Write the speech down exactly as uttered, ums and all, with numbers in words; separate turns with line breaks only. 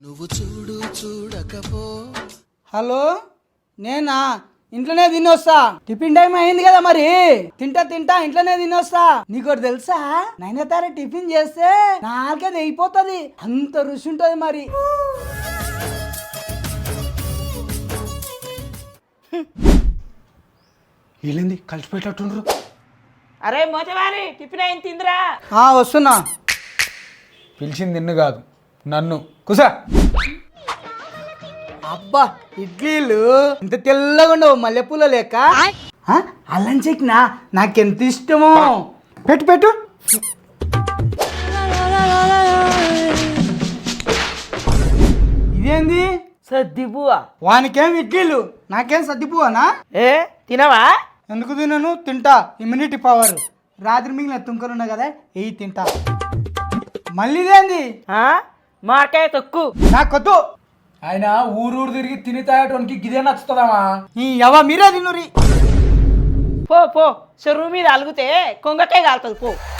నువ్వు చూడు చూడకపో.
హలో, నేనా? ఇంట్లోనే తినొస్తా. టిఫిన్ టైం అయింది కదా, మరి తింటా తింటా ఇంట్లోనే తినొస్తా. నీకోటి తెలుసా, నైనతార టిఫిన్ చేస్తే నాలుగేది అయిపోతుంది, అంత రుచి ఉంటుంది. మరి
వీళ్ళేంది కలిసిపోయేటట్టుండ్రు?
అరే మోచవారి టిఫిన్ అయింది తిందిరా.
ఆ వస్తున్నా.
పిలిచింది నిన్ను కాదు, నన్ను. కుసా.
అబ్బా, ఇడ్లీలు ఇంత తెల్లగా ఉండవు, మల్లెపూల లేక. ఆ, అల్లం చెక్కినా నాకెంత ఇష్టమో. పెట్టు పెట్టు. ఇదేంది?
సర్దిబువా.
వానికేం ఇడ్లీలు, నాకేం సర్దిపోవనా?
ఏ తినవా?
ఎందుకు తినను? తింటా. Immunity power. రాత్రి మిగిలిన తుంకలు ఉన్నాయి కదా, ఎయి తింటా. మళ్ళీ ఇదేంది?
ఆ మార్కాయ తొక్కు.
నాకొద్దు.
ఆయన ఊరూరు తిరిగి తిని తాగటానికి గిదే నచ్చుతుందామా?
ఈ ఎవ మీరే తినురి.
పో పో చెరువు మీద అలుగుతే కొంగకాయ కాలుతుంది పో.